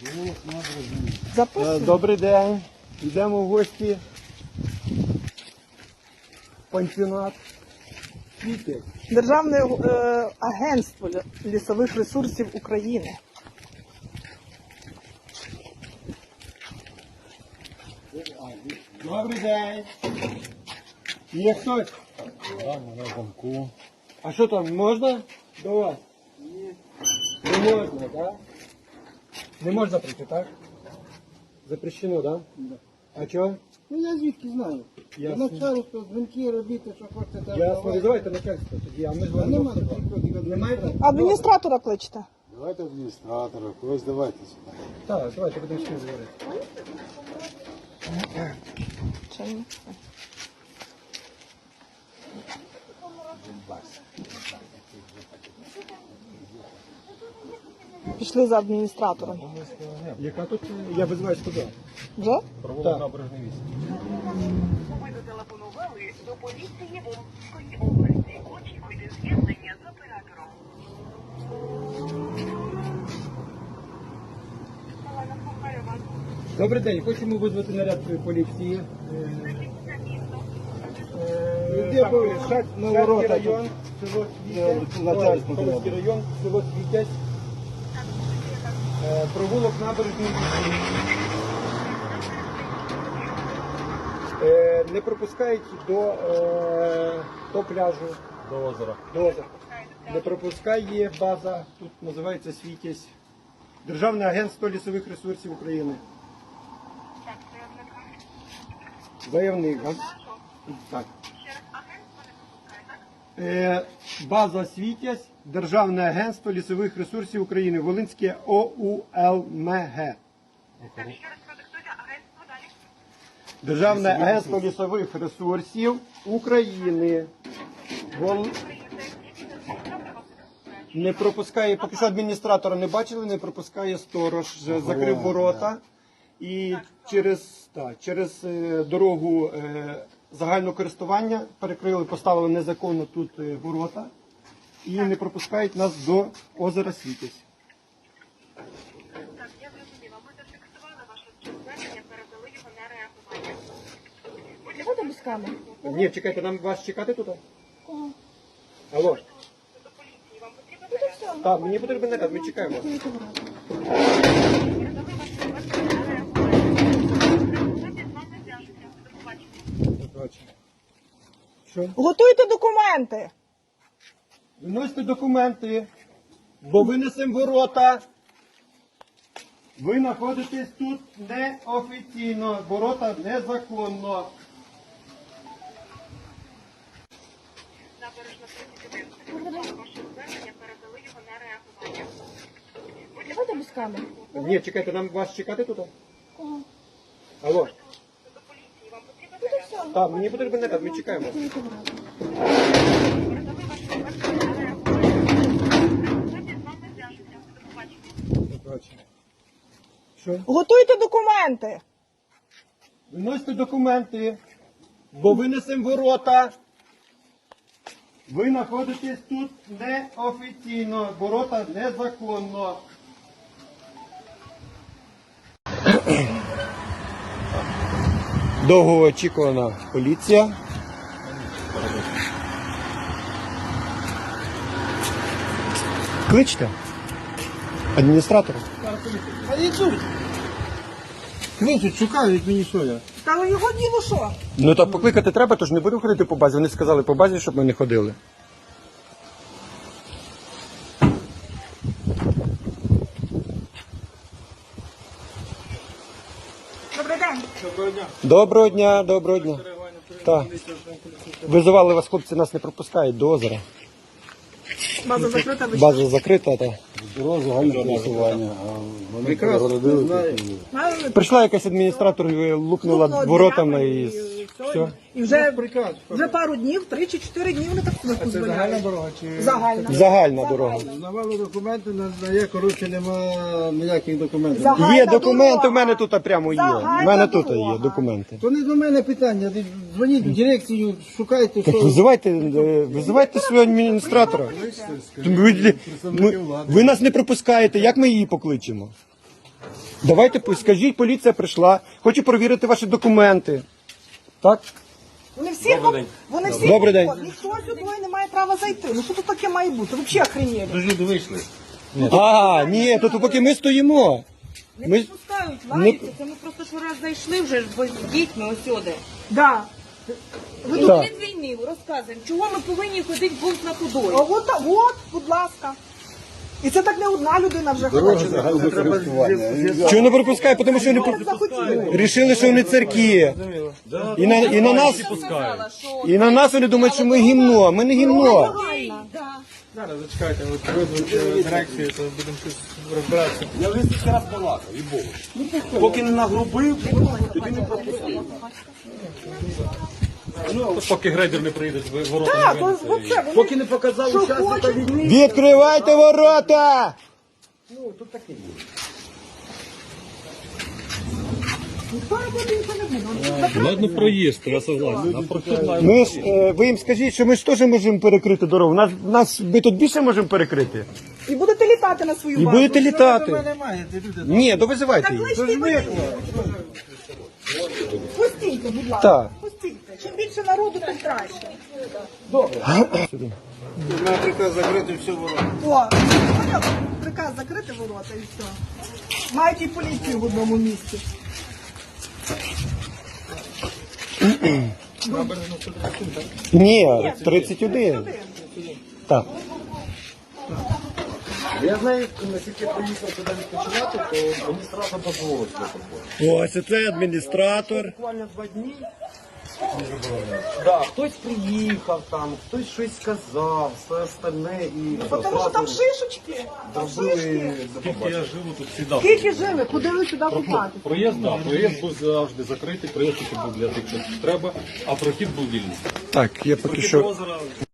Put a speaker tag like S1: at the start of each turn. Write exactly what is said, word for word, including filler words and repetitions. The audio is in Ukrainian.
S1: Записуємо.
S2: Добрий день. Йдемо в гості. Пансіонат. Скільки?
S1: Державне е, агентство лісових ресурсів України.
S2: Добрий день. Є хтось?
S3: Так, на замку.
S2: А що там, можна до вас? Ні. Не можна, так? Не можна прийти, так? Запрещено, так?
S4: Да.
S2: А чого?
S4: Ну я звідки знаю.
S2: Ясно.
S4: Начальство, дзвінки робити, що хочете. там
S2: Ясно,
S4: давайте.
S2: давайте начальство тоді, а ми з
S4: А
S2: вами.
S4: нема таких ходів.
S2: Немає?
S1: Адміністратора кличте.
S3: Давайте адміністратора, когось давайте сюди.
S2: Так, давайте будемо з ким говорити.
S1: Чому? Пішли за адміністратором.
S2: Яка тут? Я визиваю туди.
S1: Вже?
S2: Так.
S3: Набережний вісім.
S5: Ви зателефонували до поліції Волинської області. Очікуйте з'єднання з оператором. Олена, слухаю вас.
S2: Добрий день, хочемо визвати наряд поліції.
S4: Де були? Шать на ворота
S2: район, село Світязь,
S4: начальство
S2: Полонський район, село Світязь, Е, провулок набережний. Е, Не пропускають до, е, до пляжу,
S3: До озера.
S2: до озера. Не пропускає база, тут називається Світязь. Державне агентство лісових ресурсів України.
S5: Так, заявника.
S2: Заявник. а? Так.
S5: Ще раз агентство не пропускає, так?
S2: Е, База Світязь, Державне агентство лісових ресурсів України, Волинське ОУЛМГ.
S5: Так, ще раз продиктуйте агентство далі.
S2: Державне агентство лісових ресурсів України. Вол... Не пропускає, поки що адміністратора не бачили, не пропускає сторож, вже закрив ворота. І через, так, через е, дорогу е, загального користування перекрили, поставили незаконно тут е, ворота і не пропускають нас до озера Світязь.
S5: Так, я зрозуміла. Ми зафіксували ваше звернення, передали його на реагування.
S1: Давайте без камер.
S2: Ні, чекайте, нам вас чекати тут?
S1: Кого?
S2: Алло.
S5: До поліції вам потрібно наряд?
S2: Так, мені потрібен наряд, ми чекаємо.
S5: Передали ваше звернення на реагування. З вами зв'яжуться. До побачення.
S2: Що?
S1: Готуйте документи.
S2: Виносьте документи, бо винесемо ворота. Ви знаходитесь тут неофіційно, ворота незаконно.
S5: Набережна тридцять один. Ваше звернення, передали його на реагування.
S1: Давайте без камер.
S2: Ні, чекайте, нам вас чекати тут?
S1: Кого?
S2: Алло.
S5: До поліції вам потрібно наряд?
S2: Так, мені потрібен наряд, ми чекаємо.
S5: Передали ваше звернення на реагування. З вами зв'яжуться. До побачення.
S2: Що?
S1: Готуйте документи.
S2: Виносьте документи, бо винесемо ворота. Ви знаходитесь тут неофіційно, ворота незаконно. Довгоочікувана поліція. Кличте адміністратора.
S4: А йдуть. Кличуть, шукають мені що я.
S1: Та його діло що?
S2: Ну так покликати треба, тож не будемо ходити по базі. Вони сказали по базі, щоб ми не ходили.
S1: Добрий день.
S2: Доброго дня, доброго дня. Так. Визивали вас, хлопці, нас не пропускають до озера.
S1: База закрита, ви
S2: База закрита. Та.
S3: Дорога загальне голосування, а вони
S4: Прекрасно,
S3: перегородили.
S4: знаю.
S1: знаєте?
S2: Прийшла якась адміністратор, і лупнула
S1: Лупнула
S2: воротами
S1: дверями
S2: і
S1: і
S2: все.
S1: І вже,
S4: Приказ.
S1: вже пару днів, три чи чотири дні вони так себе
S4: Це загальна
S1: дозволяють.
S4: дорога чи
S1: Загальна.
S2: Загальна дорога.
S4: Навали документи, надає, коротше, нема ніяких документів.
S1: Загальна
S2: Є документи,
S1: дорога.
S2: у мене тут прямо є.
S1: Загальна
S2: У мене тут
S1: дорога.
S2: є документи.
S4: То не до мене питання. Ви дзвоніть в дирекцію, шукайте,
S2: Так
S4: що.
S2: визивайте, е, визивайте свого адміністратора. Ви, ви, ви нас не пропускаєте, як ми її покличемо? Давайте пу- скажіть, поліція прийшла, хочу перевірити ваші документи. Так?
S1: Вони всі, вони всі,
S2: Добрий день.
S1: вход. Ніхто сюди не має права зайти. Ну що тут таке має бути? Ви взагалі охренєли.
S3: Люди вийшли.
S2: А, ні, тут поки ми стоїмо.
S6: Не
S2: Ми-
S6: підпускають, лаються. Це ми просто що раз зайшли вже ж бо з дітьми ось сюди.
S1: Да.
S6: Ви
S2: Так.
S6: тут від війни розказуємо, чого ми повинні ходити бунт на
S1: А
S6: худою.
S1: от, та- от, будь ласка. І це так не одна людина вже ходить.
S3: Загальне користування.
S2: Чого не пропускає? Тому що вони
S1: Вони захотіли.
S2: рішили, що вони церкві. І на, і на нас,
S6: Сказала, що
S2: і на нас вони думають, що ми гімно. Ми не гімно.
S7: Зараз зачекайте, от визвуть дирекцію, то будемо щось розбиратися.
S3: Я вже стільки раз балакав, і Богу. Поки не нагрубив, тоді не пропустив.
S7: Поки грейдер не приїде, ви ворота
S1: Так,
S7: не
S1: то,
S7: винесете.
S1: от це, вони
S3: Поки не показав
S1: що
S3: учасника
S1: хочуть.
S3: війни.
S2: Відкривайте ворота!
S1: Ніхто робити нічого не буде.
S7: Ладно, проїзд, я согласен. А прохід має
S2: Ми ж, е, ви їм скажіть, що ми ж теж можемо перекрити дорогу. Нас, нас, ми тут більше можемо перекрити.
S1: І будете літати на свою
S2: І
S1: базу.
S2: будете літати.
S4: Немає, ті люди.
S2: Ні, то визивайте
S1: Так
S2: їх.
S1: кличте мене. Пустійте, будь ласка.
S2: Так.
S1: Пустійте. Чим більше народу, тим краще.
S4: Мене приказ закрити всю ворота.
S1: О, поняв? Приказ закрити ворота і все. Мають і поліцію в одному місці.
S2: Ні, тридцять один. Так.
S3: Я знаю, наскільки приїхав сюди відпочивати, то мені страшно дозволити собою.
S2: Ось це адміністратор.
S3: Буквально два дні. Да, хтось приїхав там, хтось щось сказав, все остальне і
S1: Тому що там шишечки. Там
S3: зробили
S1: шишки.
S7: Скільки я живу тут завжди.
S1: Скільки жили? Ходили сюди купати.
S7: Проїзд, так, проїзд був завжди закритий, проїзд тільки був для тих, що треба, а прохід був вільний.
S2: Так, я поки що.
S7: Озеро